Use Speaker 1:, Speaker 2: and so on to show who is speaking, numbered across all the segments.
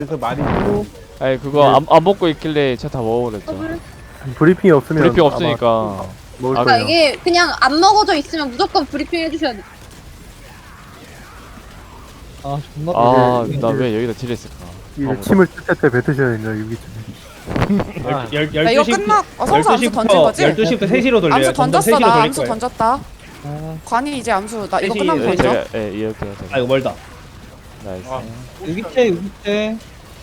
Speaker 1: 그래서 많이
Speaker 2: 아니 그거 안 먹고 있길래 제가 다 먹어버렸죠.
Speaker 3: 브리핑이 없으면
Speaker 2: 브리핑
Speaker 3: 아마
Speaker 2: 없으니까.
Speaker 3: 먹을
Speaker 2: 아,
Speaker 4: 그러니까
Speaker 3: 거예요.
Speaker 4: 이게 그냥 안 먹어져 있으면 무조건 브리핑 해주셔야 돼.
Speaker 5: 아 존나
Speaker 2: 아,
Speaker 3: 이게-
Speaker 2: 나 왜 여기다 딜했을까?
Speaker 3: 이거 침을 뜰때 뱉으셔야 된다 유기증.
Speaker 5: 아,
Speaker 6: 야,
Speaker 7: 이거 끝나. 성수 암수 던진 거지?
Speaker 6: 12시부터 3시로 돌려요.
Speaker 7: 암수 던졌어.
Speaker 6: 점점 3시로
Speaker 7: 나
Speaker 6: 돌릴
Speaker 7: 암수
Speaker 6: 거예요.
Speaker 7: 던졌다.
Speaker 5: 아,
Speaker 7: 관이 이제 암수. 나 이거
Speaker 6: 셋이-
Speaker 7: 끝나면
Speaker 2: 예,
Speaker 7: 던져.
Speaker 2: 제가 이렇게 해야
Speaker 6: 아, 이거 멀다.
Speaker 2: 나이스.
Speaker 1: 아.
Speaker 5: 유기체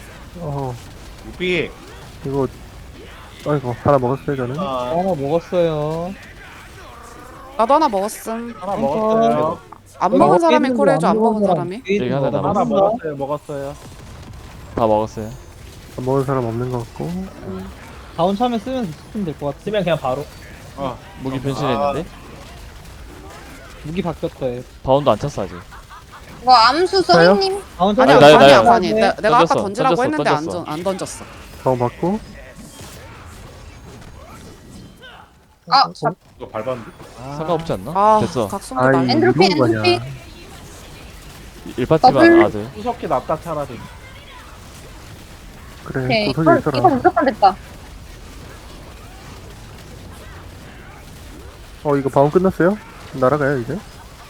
Speaker 1: 우비
Speaker 3: 이거 아이고 하나 먹었어요 저는.
Speaker 5: 하나 먹었어요.
Speaker 7: 나도 하나 먹었음.
Speaker 1: 하나 먹었어요.
Speaker 7: 안 먹은 사람이 콜해줘. 안 먹은 사람이.
Speaker 2: 여기 하나 남았어.
Speaker 1: 하나 먹었어요.
Speaker 2: 다 먹었어요.
Speaker 3: 안 먹은 사람 없는 것 같고.
Speaker 5: 다운 차면 쓰면 될 것 같아.
Speaker 6: 쓰면 그냥 바로.
Speaker 2: 무기 변신했는데?
Speaker 5: 무기 바뀌었다 얘.
Speaker 2: 바운도 안 찼어 아직.
Speaker 4: 뭐 암수 써니님?
Speaker 5: 다운
Speaker 7: 아니야,
Speaker 2: 나요,
Speaker 7: 관이야,
Speaker 2: 나요.
Speaker 7: 관이. 내가 아까
Speaker 2: 던졌어,
Speaker 7: 던지라고
Speaker 2: 던졌어,
Speaker 7: 했는데
Speaker 2: 던졌어.
Speaker 7: 안 던졌어.
Speaker 3: 다운 받고.
Speaker 4: 아, 잡.
Speaker 1: 이거 밟았는데.
Speaker 2: 상관없지 않나?
Speaker 7: 아,
Speaker 2: 됐어.
Speaker 7: 각성기
Speaker 3: 아이
Speaker 7: 날.
Speaker 4: 엔드로핀,
Speaker 3: 이거 뭐냐.
Speaker 4: 엔드로핀.
Speaker 2: 1파티만
Speaker 4: 더블.
Speaker 2: 아들.
Speaker 1: 수석기 낫다 차라리.
Speaker 3: 그래
Speaker 4: 오케이.
Speaker 3: 도석이
Speaker 4: 이거
Speaker 3: 있어라.
Speaker 4: 무조건 됐다.
Speaker 3: 이거 바운 끝났어요? 날아가요 이제?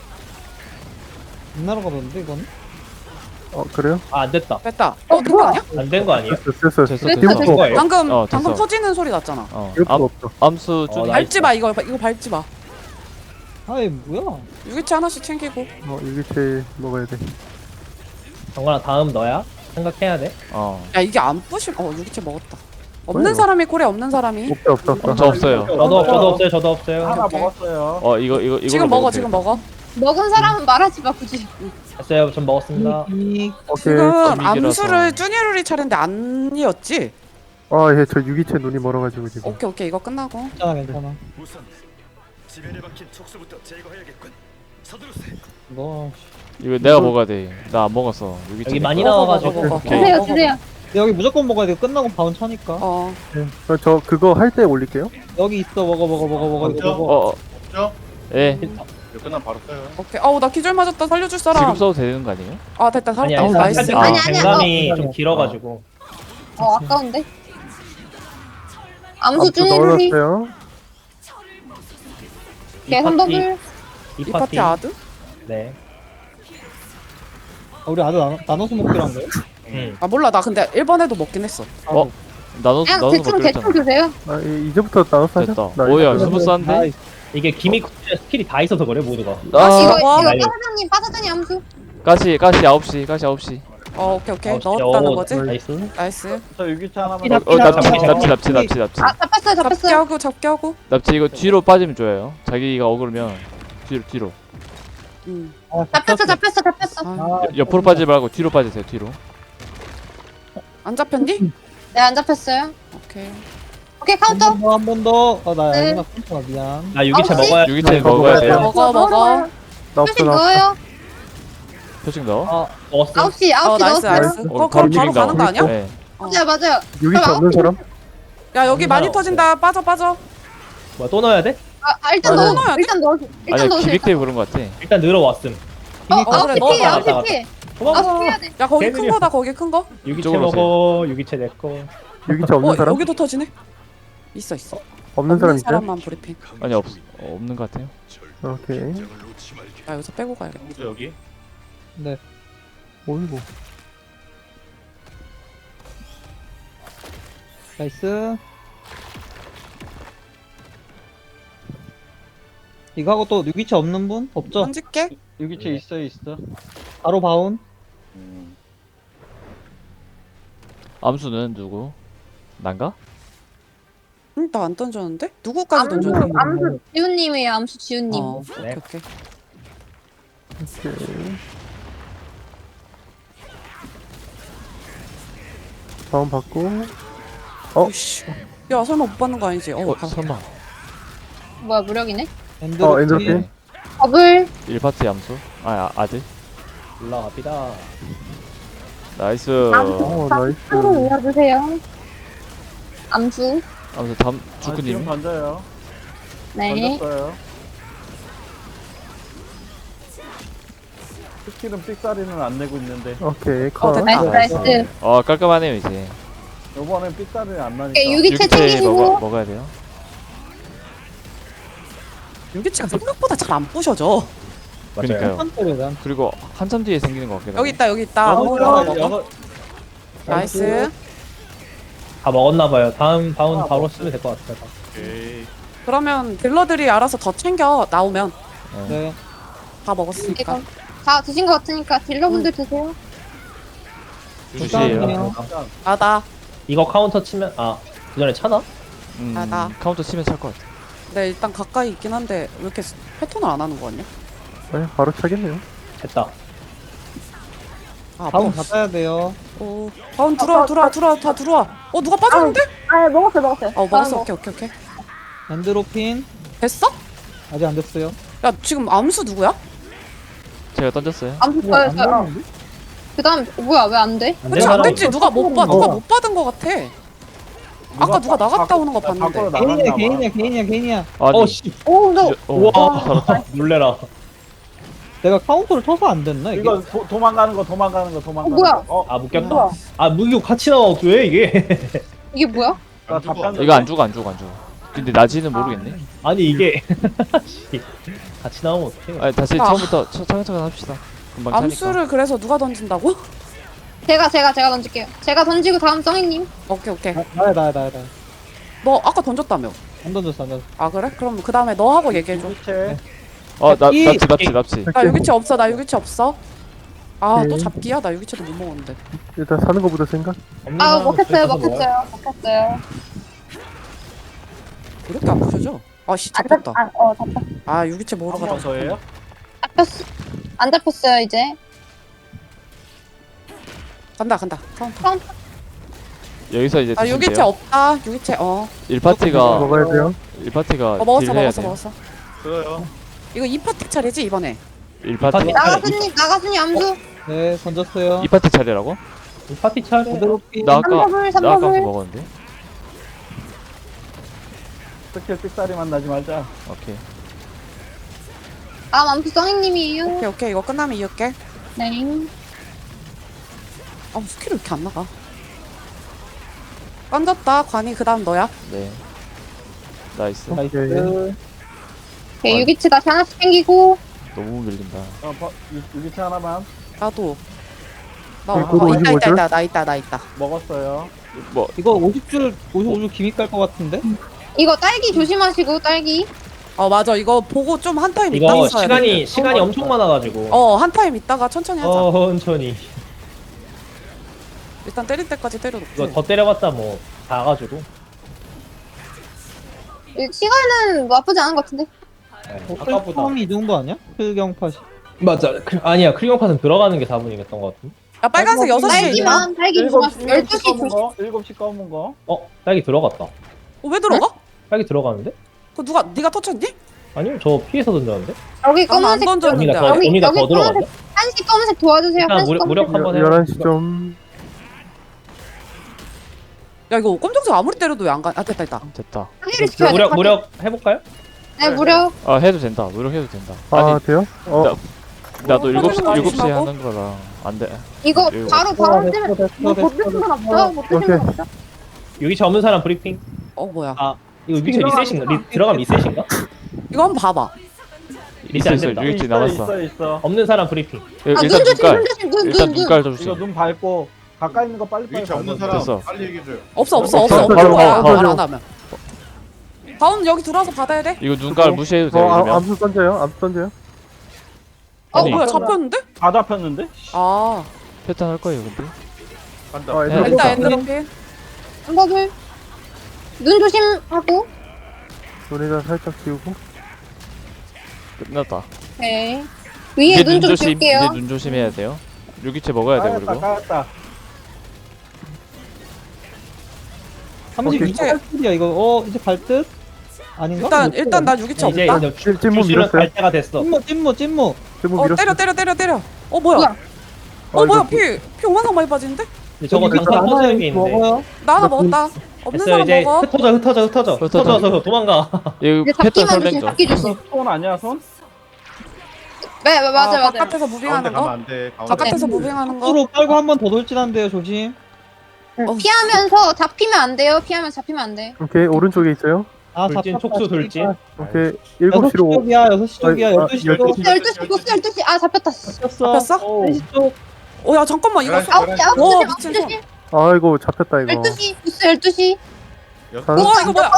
Speaker 5: 안 날아가던데 이건?
Speaker 3: 그래요?
Speaker 6: 아, 안 됐다.
Speaker 7: 됐다. 된거
Speaker 4: 뭐야?
Speaker 7: 아니야?
Speaker 6: 안 된 거 아니에요?
Speaker 3: 됐어.
Speaker 2: 됐어,
Speaker 4: 됐어,
Speaker 3: 이거
Speaker 4: 됐어.
Speaker 3: 없어.
Speaker 7: 방금
Speaker 2: 됐어.
Speaker 7: 방금 터지는 소리 났잖아.
Speaker 3: 이것도 없어.
Speaker 2: 암수
Speaker 6: 어,
Speaker 2: 좀
Speaker 6: 나-
Speaker 7: 밟지 마. 이거 밟지 마.
Speaker 5: 아이 뭐야?
Speaker 7: 유기체 하나씩 챙기고.
Speaker 3: 유기체 먹어야 돼.
Speaker 6: 정관아, 다음 너야? 생각해야 돼.
Speaker 7: 야 이게 안 부실. 유기체 먹었다. 없는
Speaker 3: 뭐야,
Speaker 7: 사람이 콜해. 없는 사람이.
Speaker 3: 없어.
Speaker 2: 저 없어요.
Speaker 6: 저도 없어요. 저도 없어요.
Speaker 1: 하나
Speaker 7: 오케이.
Speaker 1: 먹었어요.
Speaker 2: 이거
Speaker 7: 지금 먹어. 지금 먹어.
Speaker 4: 먹은 사람은 말하지 마 굳이.
Speaker 6: 됐어요. 전 먹었습니다.
Speaker 3: 오케이.
Speaker 7: 지금
Speaker 2: 분위기라서.
Speaker 7: 암수를 쭈니루리 차례인데 아니었지?
Speaker 3: 저 유기체 눈이 멀어가지고 지금.
Speaker 7: 오케이 이거 끝나고.
Speaker 5: 괜찮아 괜찮아.
Speaker 8: 우선 지면에 박힌 촉수부터 제거해야겠군. 서두르세.
Speaker 5: 너
Speaker 2: 이거 내가 먹어야 돼. 나 안 먹었어.
Speaker 6: 여기 많이
Speaker 7: 먹어,
Speaker 6: 나와가지고.
Speaker 7: 먹어, 먹어.
Speaker 2: 오케이.
Speaker 4: 주세요, 주세요.
Speaker 5: 여기 무조건 먹어야 돼. 끝나고 바운 차니까.
Speaker 3: 저 그거 할 때 올릴게요.
Speaker 5: 여기 있어 먹어 이거
Speaker 1: 그렇죠?
Speaker 5: 먹어.
Speaker 2: 예.
Speaker 1: 이거 끝나면 바로 써요.
Speaker 7: 오케이. 나 기절 맞았다. 살려줄
Speaker 2: 지금
Speaker 7: 사람.
Speaker 2: 써도 되는 거 아니에요?
Speaker 7: 됐다.
Speaker 6: 아니,
Speaker 7: 살았다.
Speaker 6: 아니,
Speaker 7: 나이스.
Speaker 6: 사실
Speaker 4: 아니, 아니야.
Speaker 6: 갱감이 좀 길어가지고.
Speaker 4: 아까운데. 암수
Speaker 3: 암수
Speaker 4: 쭈니루리.
Speaker 3: 넣어놨어요.
Speaker 4: 개선 더블.
Speaker 6: 이
Speaker 7: 이 파티
Speaker 6: 파티.
Speaker 7: 아드?
Speaker 6: 네.
Speaker 5: 우리 아들 나눠서 먹기로 한 거야?
Speaker 7: 몰라. 나 근데 1번에도 먹긴 했어.
Speaker 2: 나눠서
Speaker 4: 그냥 대충
Speaker 2: 먹기로 했잖아.
Speaker 4: 드세요.
Speaker 3: 이제부터 나눠서 하자.
Speaker 2: 됐다.
Speaker 3: 나
Speaker 2: 오야
Speaker 3: 이거-
Speaker 2: 스무스한데?
Speaker 6: 이게 기믹 스킬이 다 있어서 그래, 모두가.
Speaker 4: 이거
Speaker 7: 와.
Speaker 4: 빠사장님 암수.
Speaker 2: 가시 9시. 가시 9시.
Speaker 7: 오케이.
Speaker 6: 진짜.
Speaker 7: 넣었다는 거지?
Speaker 6: 나이스.
Speaker 7: 나이스.
Speaker 1: 저 유기차 하나만.
Speaker 2: 납치.
Speaker 4: 잡혔어요,
Speaker 7: 잡게
Speaker 4: 잡혔어요.
Speaker 7: 하고.
Speaker 2: 납치 이거 뒤로 빠지면 좋아요. 자기가 억울하면 뒤로.
Speaker 4: 잡혔어.
Speaker 2: 옆으로 빠지지 말고 뒤로 빠지세요. 뒤로.
Speaker 7: 안 잡혔니?
Speaker 4: 네, 안 잡혔어요.
Speaker 7: 오케이.
Speaker 4: 오케이, 카운터.
Speaker 5: 한 번 더. 나
Speaker 4: 네.
Speaker 5: 아니나 깜짝아 미안.
Speaker 6: 나 유기체
Speaker 4: 아홉 시?
Speaker 6: 먹어야
Speaker 2: 유기체 먹어야 돼요.
Speaker 7: 먹어.
Speaker 3: 나 없어
Speaker 4: 표식
Speaker 3: 나 없어.
Speaker 4: 넣어요.
Speaker 2: 표식 넣어.
Speaker 6: 먹었어.
Speaker 4: 9시
Speaker 7: 나이스.
Speaker 4: 넣었어요.
Speaker 7: 그럼
Speaker 2: 바로
Speaker 7: 바로 가는 거 아니야?
Speaker 2: 네.
Speaker 4: 맞아요.
Speaker 3: 유기체
Speaker 4: 그럼
Speaker 3: 없는 사람?
Speaker 7: 야 여기 많이
Speaker 6: 없어요.
Speaker 7: 터진다. 빠져.
Speaker 6: 뭐야, 또 넣어야 돼?
Speaker 4: 일단
Speaker 3: 아니,
Speaker 4: 넣어요. 일단 넣으세요. 일단
Speaker 2: 아니
Speaker 4: 넣으세요.
Speaker 2: 기믹 때문에 그런 거 같아.
Speaker 6: 일단 늘어왔음.
Speaker 7: 그래,
Speaker 4: 9시
Speaker 7: 넣어.
Speaker 4: 피해, 9시 피해.
Speaker 6: 도망가.
Speaker 4: 9시 피해야 돼.
Speaker 7: 야 거기 큰
Speaker 6: 개들이야.
Speaker 7: 거다. 거기 큰 거.
Speaker 6: 유기체
Speaker 2: 이쪽으로
Speaker 6: 먹어. 유기체 내 거.
Speaker 3: 유기체 없는 사람?
Speaker 7: 여기도 터지네. 있어.
Speaker 3: 없는 사람 있어요?
Speaker 7: 사람만 브리핑.
Speaker 2: 아니 없는 거 같아요.
Speaker 3: 오케이.
Speaker 7: 야 여기서 빼고 가야겠다.
Speaker 1: 여기.
Speaker 5: 네.
Speaker 3: 어이구.
Speaker 5: 나이스. 이거 하고 또 유기체 없는 분? 없죠?
Speaker 7: 던질게.
Speaker 5: 유기체 있어. 바로 바운.
Speaker 2: 암수는 누구? 난가?
Speaker 7: 나 안 던졌는데? 누구까지 던졌니?
Speaker 4: 암수 지훈님이에요. 암수 지훈님.
Speaker 7: 오케이.
Speaker 3: 오케이. 다운 받고.
Speaker 7: 씨. 야 설마 못 받는 거 아니지?
Speaker 2: 설마.
Speaker 4: 뭐야 무력이네.
Speaker 3: 엔드로핀.
Speaker 4: 더블.
Speaker 2: 1파티 암수. 아들.
Speaker 6: 올라갑니다.
Speaker 2: 나이스.
Speaker 3: 나이스.
Speaker 4: 한번 올려주세요. 암수.
Speaker 2: 암수 다음
Speaker 1: 지금
Speaker 2: 주크님.
Speaker 1: 스킬은 삑사리는 안 내고 있는데
Speaker 3: 오케이 컷.
Speaker 4: 나이스 나이스.
Speaker 2: 깔끔하네요 이제.
Speaker 1: 요번엔 삑사리는 안 나니까
Speaker 4: 오케이, 유기체
Speaker 2: 유기체
Speaker 4: 챙기시고.
Speaker 2: 먹어야 돼요.
Speaker 7: 유기체가 생각보다 잘 안 부셔져.
Speaker 2: 그러니까요.
Speaker 5: 한 때려 난.
Speaker 2: 그리고 한참 뒤에 생기는 것 같기도 하고.
Speaker 7: 여기 있다. 아무거나 먹어. 나이스.
Speaker 6: 다 먹었나봐요. 다음 바운 바로 쓰면 될 것 같아요.
Speaker 7: 그러면 딜러들이 알아서 더 챙겨 나오면
Speaker 5: 네.
Speaker 7: 다 먹었으니까.
Speaker 4: 이거 다 드신 것 같으니까 딜러분들 드세요.
Speaker 2: 주시에요.
Speaker 7: 나다.
Speaker 6: 이거 카운터 치면 그 전에 차나?
Speaker 7: 나.
Speaker 2: 카운터 치면 찰 것 같아.
Speaker 7: 네 일단 가까이 있긴 한데 왜 이렇게 패턴을 안 하는 거 같냐?
Speaker 3: 네, 바로 차겠네요.
Speaker 6: 됐다.
Speaker 7: 아
Speaker 5: 바운 받아야 돼요.
Speaker 7: 오. 바운 들어와 다 들어와. 누가 빠졌는데?
Speaker 4: 아 먹었어요.
Speaker 7: 먹었어. 오케이.
Speaker 5: 엔드로핀
Speaker 7: 됐어?
Speaker 5: 아직 안 됐어요.
Speaker 7: 야 지금 암수 누구야?
Speaker 2: 제가 던졌어요.
Speaker 4: 암수
Speaker 5: 우와, 안
Speaker 4: 저요.
Speaker 5: 나오는데?
Speaker 4: 그다음 뭐야 왜 안 돼?
Speaker 7: 그치 안 됐지. 누가 못 받은 거 같아. 아까 누가 나갔다 오는 거 봤는데.
Speaker 5: 개인이야.
Speaker 2: 아니,
Speaker 6: 씨.
Speaker 4: 오 너.
Speaker 6: 우와. 놀래라.
Speaker 5: 내가 카운터를 쳐서 안 됐나 이게?
Speaker 1: 이거 도망가는 거
Speaker 4: 뭐야?
Speaker 1: 거.
Speaker 6: 묶였다.
Speaker 4: 뭐야?
Speaker 6: 무기고 같이 나와. 왜 이게?
Speaker 4: 이게 뭐야?
Speaker 1: 나 답변
Speaker 2: 이거 안 죽어. 근데 나지는 모르겠네.
Speaker 6: 아니 이게 씨. 같이 나오면 어떡해?
Speaker 2: 아니, 다시
Speaker 7: 아.
Speaker 2: 처음부터 차근차근 합시다. 금방 차니까.
Speaker 7: 암수를 그래서 누가 던진다고?
Speaker 4: 제가 던질게요. 제가 던지고 다음 성희님.
Speaker 7: 오케이.
Speaker 5: 나야.
Speaker 7: 너 아까 던졌다며.
Speaker 5: 안 던졌어.
Speaker 7: 아 그래? 그럼 그 다음에 너 하고 얘기해줘.
Speaker 1: 유기체
Speaker 2: 납치.
Speaker 7: 나 유기체 없어. 나 유기체 없어. 아 또
Speaker 3: 오케이.
Speaker 7: 잡기야? 나 유기체도 못 먹었는데.
Speaker 3: 일단 사는 거보다 생각.
Speaker 6: 없는
Speaker 4: 아
Speaker 6: 사람은
Speaker 4: 먹혔어요.
Speaker 6: 그래서 뭐야?
Speaker 7: 왜 이렇게 안 부셔져? 아씨 잡혔다.
Speaker 4: 잡혔.
Speaker 7: 아 유기체 먹으러
Speaker 1: 한 번
Speaker 7: 가자.
Speaker 1: 더예요?
Speaker 4: 잡혔어. 안 잡혔어요 이제.
Speaker 7: 간다. 카운터.
Speaker 2: 여기서 이제
Speaker 7: 아
Speaker 2: 드시면
Speaker 7: 유기체
Speaker 2: 돼요.
Speaker 7: 없다. 유기체
Speaker 2: 1파티가
Speaker 3: 먹어야 돼요.
Speaker 2: 1파티가
Speaker 7: 먹었어.
Speaker 1: 그래요.
Speaker 7: 이거 2파티 차례지 이번에.
Speaker 2: 1파티
Speaker 4: 나가순이 암수.
Speaker 5: 네 던졌어요.
Speaker 2: 2파티 차례라고?
Speaker 6: 이 파티 차례.
Speaker 5: 엔드로핀.
Speaker 2: 나 아까
Speaker 4: 3버블.
Speaker 2: 먹었는데.
Speaker 1: 스킬 삑사리만 나지 말자.
Speaker 2: 오케이.
Speaker 4: 다음 암수 성희님이에요.
Speaker 7: 오케이 이거 끝나면 이을게.
Speaker 4: 네.
Speaker 7: 아 스킬이 왜 이렇게 안 나가? 던졌다. 관이 그 다음 너야.
Speaker 2: 네. 나이스.
Speaker 5: 나이스.
Speaker 4: 오케이, 유기체 다시 하나씩 챙기고.
Speaker 2: 너무 밀린다.
Speaker 1: 유기체 하나만
Speaker 7: 나도. 나
Speaker 3: 네, 그거 55 줄?
Speaker 7: 나 있다.
Speaker 1: 먹었어요.
Speaker 2: 뭐
Speaker 5: 이거 55줄 기믹 갈 것 같은데?
Speaker 4: 이거 딸기 조심하시고 딸기.
Speaker 7: 맞아. 이거 보고 좀 한 타임 있다
Speaker 6: 이거
Speaker 7: 써야 돼.
Speaker 6: 시간이 엄청 많아가지고.
Speaker 7: 한 타임 있다가 천천히 하자.
Speaker 6: 천천히.
Speaker 7: 일단 때릴 때까지 때려놓고.
Speaker 6: 이거 더 때려봤자 뭐 다 가지고.
Speaker 4: 시간은 나쁘지 않은 것 같은데.
Speaker 6: 아까보다.
Speaker 5: 처음이 이 정도 아니야? 필경팟이.
Speaker 6: 맞아. 아니야. 크리온 팟은 들어가는 게 4분이었던 것 같은데.
Speaker 7: 야 빨간색 6시에 있나?
Speaker 4: 딸기만 딸기 조심하시고. 12시
Speaker 1: 검은
Speaker 4: 조심.
Speaker 1: 거, 7시 검은 거.
Speaker 6: 딸기 들어갔다.
Speaker 7: 왜 들어가?
Speaker 6: 딸기 들어가는데?
Speaker 7: 그 누가 네가 터쳤니?
Speaker 6: 아니요. 저 피해서 던졌는데.
Speaker 4: 여기
Speaker 7: 나는 안
Speaker 4: 검은색.
Speaker 7: 던졌는데.
Speaker 6: 언니가 더,
Speaker 4: 여기,
Speaker 6: 언니가
Speaker 4: 여기
Speaker 6: 더 들어갔네.
Speaker 4: 한시 검은색 도와주세요.
Speaker 6: 일단
Speaker 4: 한시 검은색.
Speaker 6: 무력 한번 해요.
Speaker 3: 11시 좀.
Speaker 7: 야 이거 검정색 아무리 때려도 왜 안 가? 됐다.
Speaker 2: 됐다.
Speaker 4: 한시를 지켜야 돼.
Speaker 6: 무력 해볼까요?
Speaker 4: 네 무력.
Speaker 2: 해도 된다. 노력해도 된다.
Speaker 3: 아
Speaker 2: 아니,
Speaker 3: 돼요?
Speaker 2: 나도
Speaker 7: 뭐,
Speaker 2: 7시에
Speaker 7: 조심하고.
Speaker 2: 하는 거라 안 돼.
Speaker 4: 이거
Speaker 2: 이거
Speaker 4: 바로
Speaker 5: 됐어,
Speaker 4: 뜨면
Speaker 5: 됐어,
Speaker 4: 못
Speaker 5: 됐어.
Speaker 4: 드신 분 없죠? 못 드신 분
Speaker 3: 오케이.
Speaker 4: 없죠?
Speaker 6: 여기 없는 사람 브리핑.
Speaker 7: 뭐야?
Speaker 6: 이거 위치 리셋인가? 들어가면 리셋인가?
Speaker 7: 이거 한번 봐봐.
Speaker 6: 리셋 안
Speaker 2: 있어,
Speaker 6: 된다.
Speaker 2: 유기체 남았어.
Speaker 1: 있어.
Speaker 6: 없는 사람 브리핑.
Speaker 2: 일단
Speaker 4: 눈 조심
Speaker 2: 눈깔.
Speaker 4: 눈 조심 눈
Speaker 2: 일단
Speaker 4: 눈 눈.
Speaker 2: 눈깔 좀
Speaker 1: 이거
Speaker 2: 주세요.
Speaker 1: 눈 밟고 가까이 있는 거 빨리빨리
Speaker 8: 위치 없는
Speaker 1: 밟아.
Speaker 8: 사람
Speaker 2: 됐어.
Speaker 8: 빨리 얘기해줘요.
Speaker 7: 없어
Speaker 3: 없어,
Speaker 7: 없는 거야.
Speaker 3: 없어.
Speaker 7: 말 안 하면. 다운 여기 들어와서 받아야 돼?
Speaker 2: 이거 눈깔 무시해도 돼요. 이러면.
Speaker 3: 암수 던져요.
Speaker 2: 아니.
Speaker 7: 뭐야 잡혔는데?
Speaker 1: 다 잡혔는데?
Speaker 7: 아
Speaker 2: 패턴 할 거예요, 근데.
Speaker 8: 간다.
Speaker 2: 네.
Speaker 4: 아,
Speaker 7: 일단 엔드로핀.
Speaker 4: 한버블. 눈 조심하고.
Speaker 3: 눈에다 살짝 띄우고.
Speaker 2: 끝났다.
Speaker 4: 오케이. 위에
Speaker 2: 이제
Speaker 4: 눈 좀
Speaker 2: 조심.
Speaker 4: 줄게요.
Speaker 2: 이제 눈 조심해야 돼요. 유기체 먹어야 돼, 그리고.
Speaker 1: 까였다.
Speaker 5: 36줄이야 이거. 이제 갈 듯? 아닌가?
Speaker 7: 일단 나 유기체
Speaker 6: 이제
Speaker 7: 없다.
Speaker 3: 찜무 밀었어요.
Speaker 6: 갈 때가 됐어.
Speaker 5: 찜무.
Speaker 3: 찜무 밀었어요.
Speaker 7: 때려. 뭐야?
Speaker 4: 뭐야?
Speaker 7: 뭐야?
Speaker 3: 이거
Speaker 7: 피 얼마나 많이 빠지는데?
Speaker 6: 저거
Speaker 5: 여기
Speaker 6: 당장
Speaker 5: 하나
Speaker 6: 터지는 게 있는데.
Speaker 5: 먹어요.
Speaker 7: 나 하나 먹었다. 없는
Speaker 6: 됐어요.
Speaker 7: 사람
Speaker 6: 이제
Speaker 7: 먹어.
Speaker 6: 흩어져 도망가.
Speaker 2: 이거
Speaker 4: 이제
Speaker 2: 패턴
Speaker 4: 잡기만 조심.
Speaker 2: 설명 좀.
Speaker 4: 잡기 조심.
Speaker 1: 손 아니야 손?
Speaker 4: 맞아 맞아.
Speaker 7: 바깥에서 무빙하는 거?
Speaker 9: 안돼.
Speaker 7: 바깥에서 무빙하는 거?
Speaker 5: 앞으로 빨고 한 번 더 돌진한대요. 조심.
Speaker 4: 피하면서 잡히면 안 돼요. 피하면 잡히면 안 돼.
Speaker 3: 오케이, 오른쪽에 있어요.
Speaker 5: 아,
Speaker 6: 돌진,
Speaker 5: 잡혔다.
Speaker 6: 촉수 돌진.
Speaker 3: 오케이,
Speaker 5: 6시
Speaker 3: 7시로.
Speaker 5: 쪽이야. 6시 쪽이야.
Speaker 3: 아,
Speaker 5: 12시 쪽.
Speaker 3: 12시.
Speaker 4: 12시 보스 12시. 아 잡혔다.
Speaker 5: 잡혔어.
Speaker 7: 잡혔어?
Speaker 5: 3시 쪽.
Speaker 7: 야 잠깐만 이거
Speaker 4: 9시
Speaker 7: 와,
Speaker 4: 9시
Speaker 7: 미친
Speaker 4: 12시.
Speaker 3: 아이고, 잡혔다, 이거.
Speaker 4: 12시 보스 12시.
Speaker 3: 다-
Speaker 7: 이거 뭐야?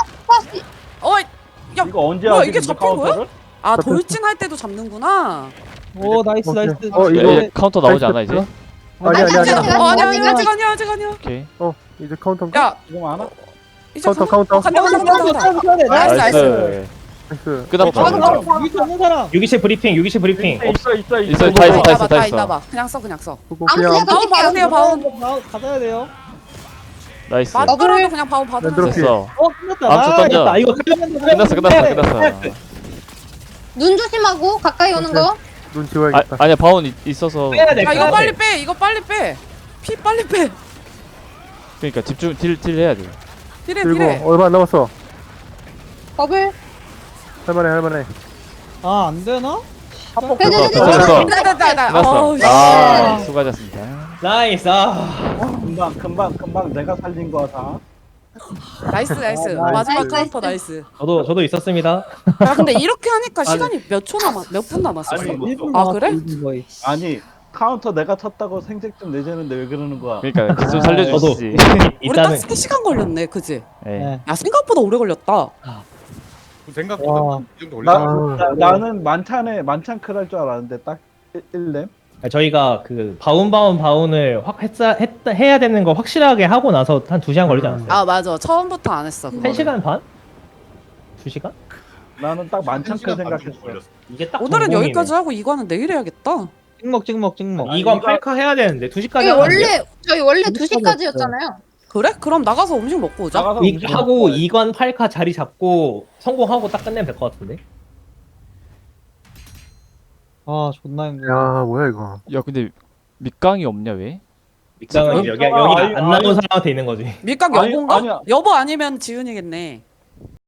Speaker 7: 야
Speaker 1: 이거 언제
Speaker 7: 뭐야,
Speaker 1: 하지?
Speaker 7: 이게
Speaker 1: 근데
Speaker 7: 잡힌 거야?
Speaker 1: 카운터를?
Speaker 7: 아 돌진할 때도 잡는구나.
Speaker 5: 오, 나이스 나이스.
Speaker 2: 이제 카운터 나오지 않아 이제?
Speaker 3: 아니, 아니,
Speaker 4: 아니,
Speaker 3: 아니.
Speaker 4: 아니.
Speaker 7: 아직 아니야.
Speaker 2: 오케이.
Speaker 3: 이제 카운터.
Speaker 7: 야
Speaker 1: 지금 안 와?
Speaker 7: 이제
Speaker 3: 카운터.
Speaker 7: 간다.
Speaker 5: 나이스.
Speaker 7: 나이스.
Speaker 3: 나이스.
Speaker 2: 끝났다.
Speaker 5: 여기 없는 사람.
Speaker 6: 6기시 브리핑, 6기시 브리핑.
Speaker 1: 있어.
Speaker 2: 있어, 다 있어, 다 있어, 다
Speaker 7: 다
Speaker 2: 있어.
Speaker 7: 있다 봐. 그냥 써 그냥 써.
Speaker 3: 그거
Speaker 4: 아무
Speaker 3: 그냥
Speaker 4: 데나
Speaker 7: 바운 받으세요 바운.
Speaker 5: 받아야 돼요.
Speaker 2: 나이스.
Speaker 7: 맞더라도 그냥 바운 받으면
Speaker 3: 만들었어.
Speaker 7: 돼.
Speaker 2: 됐어.
Speaker 5: 끝났다.
Speaker 2: 암수 던져.
Speaker 5: 아, 이거
Speaker 2: 끝났어.
Speaker 4: 눈 조심하고 가까이 오는 거.
Speaker 3: 눈 지워야겠다.
Speaker 2: 아니야 바운 있어서.
Speaker 6: 빼야 돼.
Speaker 7: 아 이거
Speaker 6: 빼야
Speaker 7: 빨리
Speaker 6: 돼.
Speaker 7: 빼. 이거 빨리 빼. 피 빨리 빼.
Speaker 2: 그러니까 집중 딜 해야 돼.
Speaker 7: 딜해
Speaker 3: 그리고
Speaker 7: 딜해.
Speaker 3: 얼마 안 남았어.
Speaker 4: 버블.
Speaker 3: 할만해.
Speaker 5: 아, 안 되나?
Speaker 2: 됐어.
Speaker 7: 됐다.
Speaker 2: 끝났어. 아 수고하셨습니다.
Speaker 6: 나이스.
Speaker 1: 금방 내가 살린 거야 다.
Speaker 7: 나이스. 마지막 카운터 나이스.
Speaker 6: 저도 있었습니다.
Speaker 7: 야 근데 이렇게 하니까 시간이 몇 분 남았었어?
Speaker 1: 아니,
Speaker 5: 1분
Speaker 7: 아, 그래?
Speaker 5: 거의.
Speaker 1: 아니 카운터 내가 쳤다고 생색 좀 내자는데 왜 그러는 거야?
Speaker 2: 그러니까 좀 살려주시지.
Speaker 7: 우리 딱
Speaker 6: 일단은
Speaker 7: 3시간 걸렸네 그지?
Speaker 2: 예.
Speaker 5: 네.
Speaker 7: 야 생각보다 오래 걸렸다.
Speaker 9: 생각보다 이 정도 올려.
Speaker 1: 나는 만찬클 할 줄 알았는데 딱 1렘.
Speaker 6: 저희가 그 바운을 확 해야 되는 거 확실하게 하고 나서 한 2시간 걸리지 않았어요?
Speaker 7: 아 맞아 처음부터 안 했어 그거는.
Speaker 6: 1시간 반? 2시간?
Speaker 1: 나는 딱 만찬클 생각했어.
Speaker 6: 이게 딱
Speaker 7: 오늘은
Speaker 6: 전공이네.
Speaker 7: 여기까지 하고 이거는 내일 해야겠다.
Speaker 5: 찍먹.
Speaker 6: 이건 8카 해야 되는데 2시까지
Speaker 4: 저희 원래 2시까지였잖아요.
Speaker 7: 그래? 그럼 나가서 음식 먹고 오자.
Speaker 1: 나가서 음식
Speaker 6: 하고
Speaker 1: 먹고
Speaker 6: 2관 8카 자리 잡고 성공하고 딱 끝내면 될 것 같은데?
Speaker 5: 아, 존나 힘들어.
Speaker 3: 야, 뭐야 이거.
Speaker 2: 야 근데 밑강이 없냐 왜?
Speaker 6: 밑장은 여기가 안 나온 사람한테 있는 거지.
Speaker 7: 밀각
Speaker 1: 아니,
Speaker 7: 여보인가?
Speaker 1: 아니야.
Speaker 7: 여보 아니면 지훈이겠네.